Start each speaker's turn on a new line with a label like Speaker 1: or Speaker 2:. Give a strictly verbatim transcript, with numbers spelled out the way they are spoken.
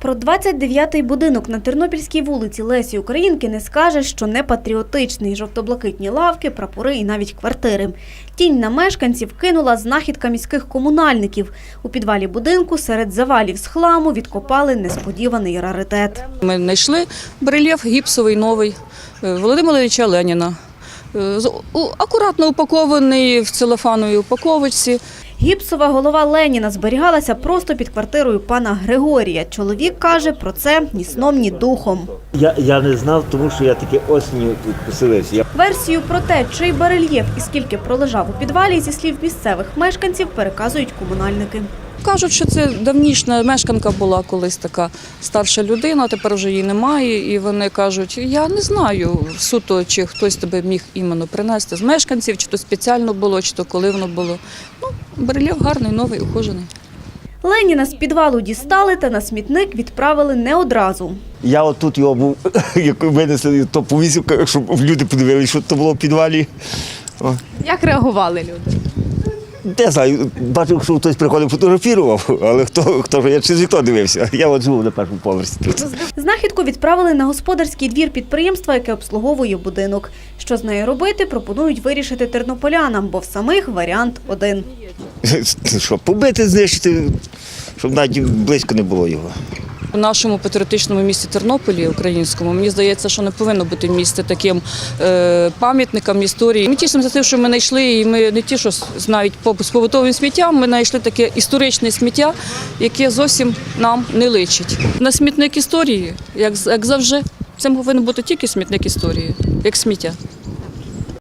Speaker 1: Про двадцять дев'ятий будинок на Тернопільській вулиці Лесі Українки не скажеш, що не патріотичний. Жовто-блакитні лавки, прапори і навіть квартири. Тінь на мешканців кинула знахідка міських комунальників. У підвалі будинку серед завалів з хламу відкопали несподіваний раритет.
Speaker 2: Ми знайшли барельєф гіпсовий новий Володимира Ілліча Леніна. Акуратно упакований в целофановій упаковочці.
Speaker 1: Гіпсова голова Леніна зберігалася просто під квартирою пана Григорія. Чоловік каже, про це ні сном, ні духом.
Speaker 3: Я, я не знав, тому що я таки осінню тут поселився.
Speaker 1: Версію про те, чий барельєф і скільки пролежав у підвалі, зі слів місцевих мешканців, переказують комунальники.
Speaker 2: Кажуть, що це давнішня мешканка була колись така старша людина, тепер вже її немає. І вони кажуть, я не знаю суто, чи хтось тебе міг іменно принести з мешканців, чи то спеціально було, чи то коли воно було. Ну, барельєф гарний, новий, ухожений.
Speaker 1: Леніна з підвалу дістали та на смітник відправили не одразу.
Speaker 3: Я отут його був, як винесли, то повісив, щоб люди подивилися, що то було в підвалі. О.
Speaker 4: Як реагували люди?
Speaker 3: Не знаю, бачив, що хтось приходив, фотографував, але хто, хто ж, я через вікно дивився. Я от живу на першому поверсі тут.
Speaker 1: Знахідку відправили на господарський двір підприємства, яке обслуговує будинок. Що з нею робити, пропонують вирішити тернополянам, бо в самих варіант один.
Speaker 3: Що, побити, знищити, щоб навіть близько не було його.
Speaker 2: У нашому патріотичному місті Тернополі, українському, мені здається, що не повинно бути місце таким е, пам'ятником історії. Ми тішимося тим, що ми знайшли, і ми не ті, що навіть з побутовим сміттям, ми знайшли таке історичне сміття, яке зовсім нам не личить. На смітник історії, як, як завжди, це повинен бути тільки смітник історії, як сміття.